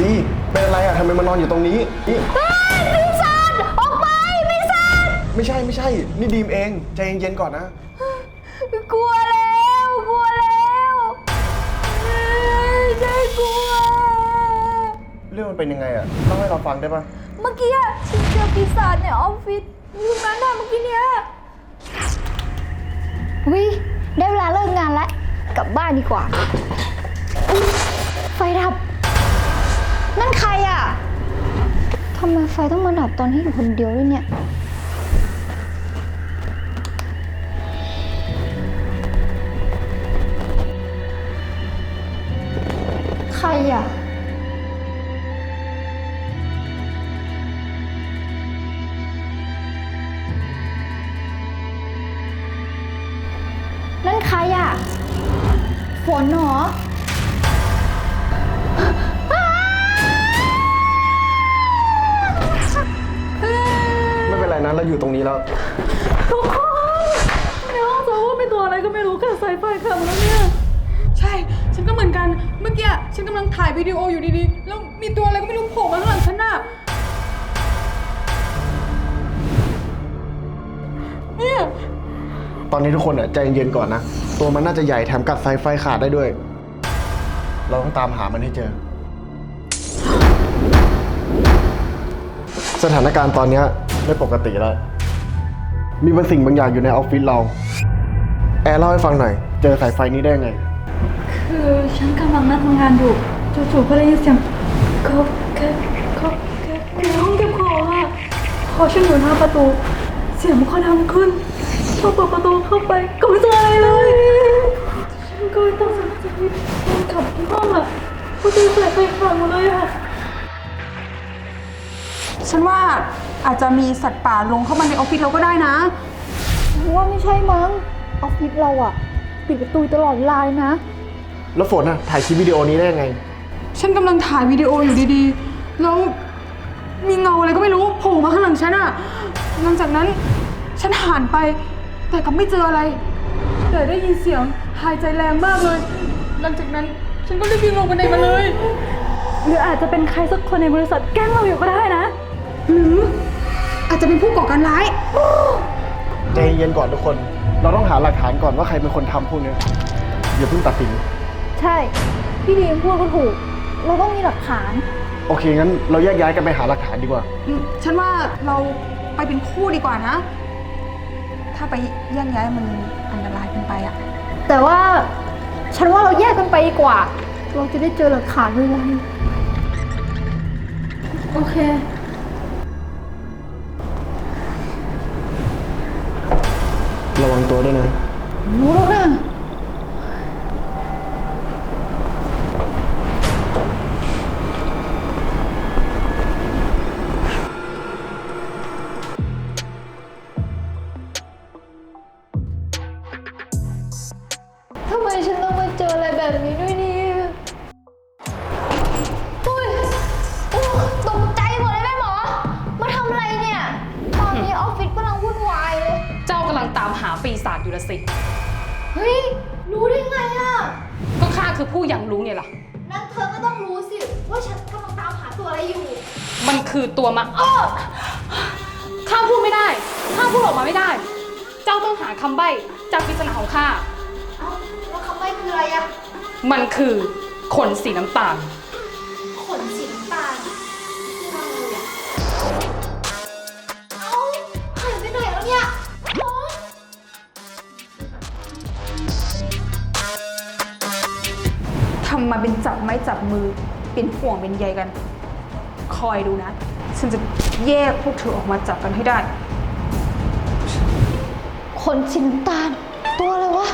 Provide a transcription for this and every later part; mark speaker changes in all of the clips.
Speaker 1: ซีเป็นอะไรอ่ะทำไมมานอนอยู่ตรงนี้นี่
Speaker 2: ปีศาจออกไปปีศาจ
Speaker 1: ไม่ใช่นี่ดีมเองใจเย็นๆก่อนนะ
Speaker 2: กลัวแล้วใช่กลัว
Speaker 1: เรื่องมันเป็นยังไงอ่ะเล่าให้เราฟังได้ปะ
Speaker 2: เมื่อกี้ฉันเจอปีศาจในออฟฟิศอยู่นั้นน่ะเมื่อกี้เนี้ยวิได้เวลาเลิกงานแล้วกลับบ้านดีกว่าไฟดับนั่นใครอ่ะทำไมไฟต้องมาดับตอนที่อยู่คนเดียวด้วยเนี่ยใครอ่ะนั่นใครอ่ะฝนเหรอ
Speaker 1: ไม่เป็นไรนะเราอยู่ตรงนี้แล้ว
Speaker 2: ทุกคนในห้องโซว่าเป็นตัวอะไรก็ไม่รู้ค่ะสายไฟขัดแล้วเนี่ย
Speaker 3: ใช่ฉันก็เหมือนกันเมื่อกี้ฉันกำลังถ่ายวิดีโออยู่ดีๆแล้วมีตัวอะไรก็ไม่รู้โผล่มาข้างหลังฉันน่ะเนี่ย
Speaker 1: ตอนนี้ทุกคนใจเย็นๆก่อนนะตัวมันน่าจะใหญ่แถมกัดสายไฟขาดได้ด้วยเราต้องตามหามันให้เจอสถานการณ์ตอนนี้ไม่ปกติแล้วมีบางสิ่งบางอย่างอยู่ในออฟฟิศเราแอร์เล่าให้ฟังหน่อยเจอสายไฟนี้ได้ไง
Speaker 3: คือฉันกำลังนั่งทำงานอยู่จู่ๆก็ได้ยินเสียงก๊อกแก๊กก๊อกแก๊กในห้องเก็บของอ่ะพอฉันอยู่หน้าประตูเสียงมันก็ดังขึ้นพอเปิดประตูเข้าไปก็ไม่เจออะไรเลยฉันก็เลยต้องสังเกตคนขับที่ห้องอ่ะพอดีสายไฟขาดหมดเลยอ่ะฉันว่าอาจจะมีสัตว์ป่าลงเข้ามาในออฟฟิศเราก็ได้นะ
Speaker 2: ว่าไม่ใช่มั้งออฟฟิศเราอะปิดประตูตลอดเวลาเลยนะ
Speaker 1: แล้วฝนถ่ายคลิปวิดีโอนี้ได้ไง
Speaker 3: ฉันกำลังถ่ายวิดีโออยู่ดีๆแล้วมีเงาอะไรก็ไม่รู้โผล่มาข้างหลังฉันอะหลังจากนั้นฉันหันไปแต่ก็ไม่เจออะไรแต่ได้ยินเสียงหายใจแรงมากเลยหลังจากนั้นฉันก็รีบวิ่งลงบันไดมาเลยหรืออาจจะเป็นใครสักคนในบริษัทแกล้งเราอยู่ก็ได้นะหรืออาจจะเป็นผู้ก่อการร้าย
Speaker 1: ใจเย็นก่อนทุกคนเราต้องหาหลักฐานก่อนว่าใครเป็นคนทำพวกนี้อย่าเพิ่งตัดสิน
Speaker 2: ใช่พี่ดีมพูดก็ถูกเราต้องมีหลักฐาน
Speaker 1: โอเคงั้นเราแยกย้ายกันไปหาหลักฐานดีกว่า
Speaker 3: ฉันว่าเราไปเป็นคู่ดีกว่านะถ้าไปแยกย้ายมันอันตรายเกินไปอะ
Speaker 2: แต่ว่าฉันว่าเราแยกกันไปดีกว่าเราจะได้เจอหลักฐานด้วยไงโอเค
Speaker 1: ระวังตัวด้วยนะ
Speaker 2: รู้แล้วนะทำไมฉันต้องมาเจออะไรแบบนี้ด้วยเนี่ยอุ้ยตกใจหมดเลยแม่หมอมาทำอะไรเนี่ยตอนนี้ออฟฟิศกำลังวุ่นวายเลย
Speaker 4: เจ้ากำลังตามหาปีศาจอยู่ละสิ
Speaker 2: เฮ้ยรู้ได้ไงอ่ะ
Speaker 4: ก็ข้าคือผู้ยังรู้ไงล่ะ
Speaker 2: นั่นเธอก็ต้องรู้สิว่าฉันกำลังตามหาตัวอะไรอยู่
Speaker 4: มันคือตัวมาข้าพูดไม่ได้ข้าพูดออกมาไม่ได้เจ้าต้องหาคำใบ้จากปริศนาของข้า
Speaker 2: เอ้าแล้วคำใบ้คืออะไรอะ
Speaker 4: มันคือขนสีน้ำตาล
Speaker 2: ขนสีน้ำตาลคืออะไรอะเอ้าหายไปไหนแล้วเนี่ย
Speaker 3: ทำมาเป็นจับไม้จับมือเป็นห่วงเป็นใยกันคอยดูนะฉันจะแยกพวกเธอออกมาจับกันให้ได้
Speaker 2: ขนสีน้ำตาลตัวอะไรวะ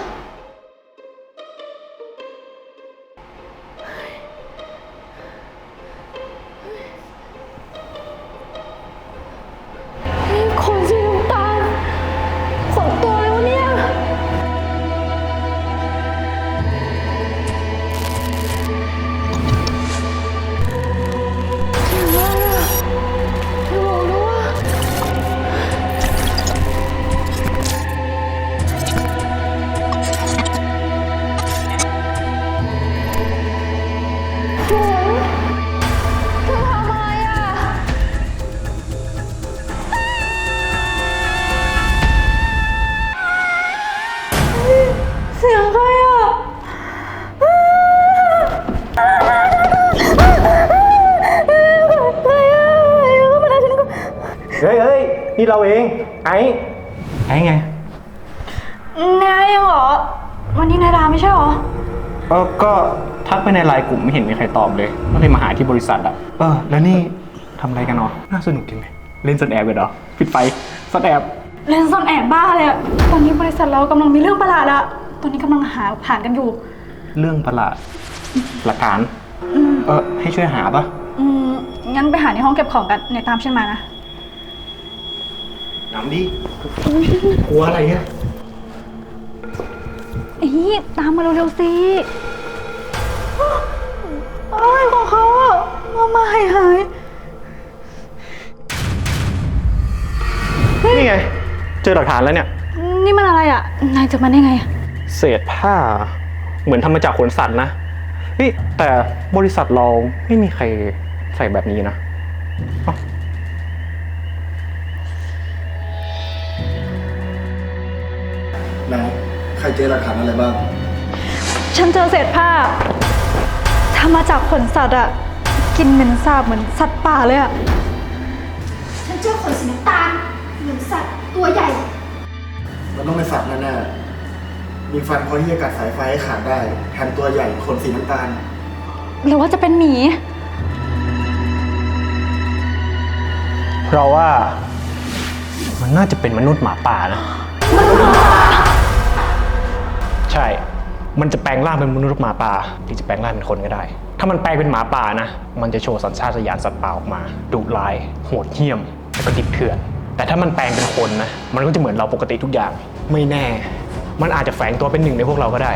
Speaker 2: ขนสีน้ำตาลขนตัวอะไรวะเนี่ย
Speaker 5: นี่เราเอง ไอ้ไง
Speaker 2: นายเหรอ วันนี้นายดาไม่ใช่เหรอ
Speaker 5: ก็ทักไปในไลน์กลุ่มไม่เห็นมีใครตอบเลยก็เลยมาหาที่บริษัทอ่ะแล้วนี่ทำอะไรกันเนาะน่าสนุกจริงเลยเล่นซ่อนแอบกันเหรอปิดไฟซ่อนแอบ
Speaker 3: เล่นซ่อนแอบบ้าเลยอะตอนนี้บริษัทเรากำลังมีเรื่องประหลาดอะตอนนี้กำลังหาหลักฐานกันอยู่
Speaker 5: เรื่องประหลาดหลักฐานให้ช่วยหาปะ
Speaker 3: งั้นไปหาในห้องเก็บของกันเนี่ยตามฉันมานะ
Speaker 5: น้ำดิกลัวอะไรเนี่ย
Speaker 3: ตามมาเร็วๆสิอะไรของเขาอะมาหาย
Speaker 5: นี่ไงเจอหลักฐานแล้วเนี่ย
Speaker 3: นี่มันอะไรอะนายเจอมันได้ไงอะ
Speaker 5: เศษผ้าเหมือนทำมาจากขนสัตว์นะแต่บริษัทเราไม่มีใครใส่แบบนี้นะ
Speaker 1: ไหนใครเจอหลักฐานอะไรบ้าง
Speaker 3: ฉันเจอเศษผ้าทำมาจากขนสัตว์อะกินเหม็นสาบเหมือนสัตว์ป่าเลยอะ
Speaker 2: ฉันเจอขนสีน้ำตาลเหมือนสัตว์ตัวใหญ่
Speaker 1: มันต้องเป็นสัตว์แน่ๆมีฟันพอที่จะกัดสายไฟให้ขาดได้แถมตัวใหญ่ขนสีน้ำตาล
Speaker 3: หรือว่าจะเป็นหมี
Speaker 5: เพราะว่ามันน่าจะเป็นมนุษย์หมาป่านะใช่มันจะแปลงร่างเป็นมนุษย์หมาป่าหรือจะแปลงร่างเป็นคนก็ได้ ถ้ามันแปลงเป็นหมาป่านะมันจะโชว์สัญชาตญาณสัตว์ป่าออกมาดุร้ายโหดเหี้ยมแล้วก็ดิบเถื่อนแต่ถ้ามันแปลงเป็นคนนะมันก็จะเหมือนเราปกติทุกอย่างไม่แน่มันอาจจะแฝงตัวเป็นหนึ่งในพวกเราก็ได้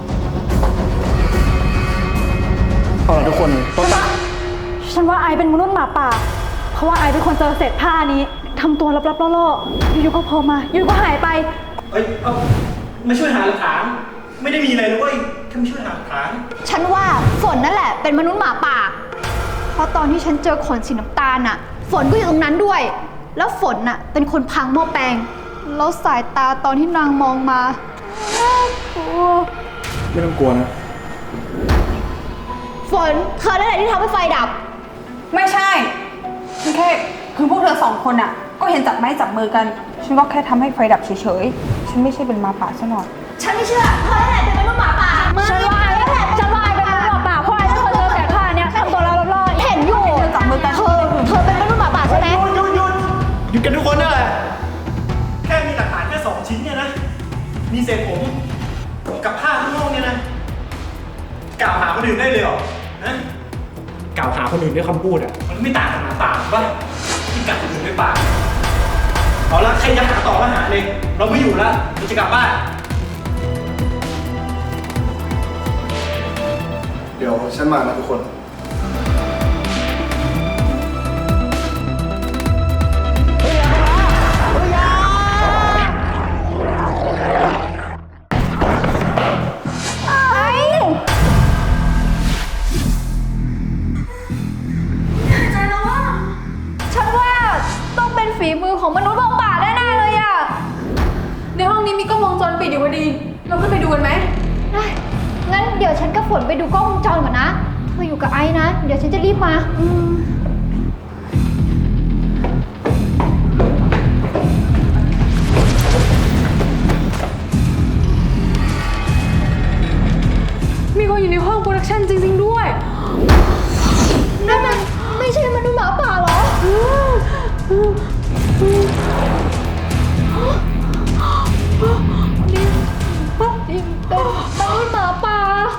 Speaker 5: เอาล่ะทุกคนต้นตา
Speaker 3: ฉันว่าไอเป็นมนุษย์หมาป่า เพราะว่าไอเป็นคนเจอเศษผ้านี้ทำตัวลับๆล่อๆอยู่ๆก็โผล่มาอยู่ๆก็หายไป
Speaker 5: มาช่วยหาหลักฐานไม่ได้มีอะไรเลยแค่มาช่วยหาหลักฐาน
Speaker 2: ฉันว่าฝนนั่นแหละเป็นมนุษย์หมาป่า เพราะตอนที่ฉันเจอขนสีน้ำตาลน่ะ ฝนก็อยู่ตรงนั้นด้วย แล้วฝนน่ะเป็นคนพังหม้อแปลง แล้วสายตาตอนที่นางมองมาน่ากลัว
Speaker 1: ไม่ต้องกลัวนะ
Speaker 2: ฝนเธอนั่นแหละที่ทำให้ไฟดับ
Speaker 3: ไม่ใช่ ฉันแค่คือพวกเธอสองคนอะก็เห็นจับไม้จับมือกัน ฉันก็แค่ทำให้ไฟดับเฉยๆ ฉันไม่ใช่เป็นหมาป่าซะหน่อย
Speaker 2: ฉันไม่เชื่อเธอนั่นแหละเป็นมนุษย์หมาป่า
Speaker 3: ฉันว่าไอเป็นมนุษย์หมาป่าเพราะไอเป็นคนเจอเศษผ้าเนี่ยทำตัวล่อๆ
Speaker 2: เห็นอยู่
Speaker 3: เธอจับมือกัน
Speaker 2: เธอเป็นมนุษย์หมาป่าใช่ไหม
Speaker 5: หยุดกันทุกคนนั่นแหละแค่มีหลักฐานแค่2 ชิ้นเนี่ยนะมีเศษผมกับผ้าข้างนอกเนี่ยนะกล่าวหาคนอื่นได้เลยเหรอนะกล่าวหาคนอื่นด้วยคำพูดอ่ะมันไม่ต่างกับหมาป่าป่ะที่กัดคนอื่นด้วยปากเอาละใครจะหาต่อก็หาเลยเราไม่อยู่แล้วเราจะกลับบ้าน
Speaker 1: เดี๋ยวฉันมานะทุกคน
Speaker 2: ฉันว่าต้องเป็นฝีมือของมนุษย์หมาป่าแน่ๆเลยอะ
Speaker 3: ในห้องนี้มีกล้องวงจรปิดอยู่พอดี เราขึ้นไปดูกันไหม
Speaker 2: ได้งั้นเดี๋ยวฉันกับฝนไปดูกล้องวงจรก่อนนะเธออยู่กับไอ้นะ เดี๋ยวฉันจะรีบมา
Speaker 3: มีคนอยู่ในห้องโปรดักชั่นจริงๆด้วย
Speaker 2: นั่นมันไม่ใช่มนุษย์หมาป่าเหรอ นี่เป็นมนุษย์หมาป่า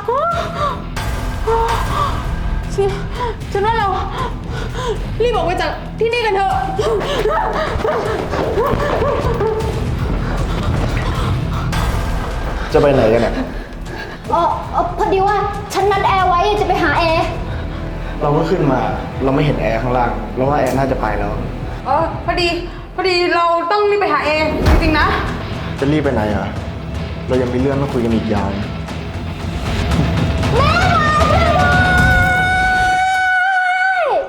Speaker 3: ฉันว่าเรารีบออกไปจากที่นี่กันเถอะ
Speaker 1: จะไปไหนกันเนี่ย
Speaker 2: พอดีว่าฉันนัดแอร์ไว้จะไปหาแอร์
Speaker 1: เราก็ขึ้นมา เราไม่เห็นแอร์ข้างล่างเราว่าแอร์น่าจะไปแล้ว
Speaker 3: พอดีเราต้องรีบไปหาเอจริงๆนะ
Speaker 1: จะรีบไปไหนอ่ะ เรายังมีเรื่องต้องคุยกันอีกยาว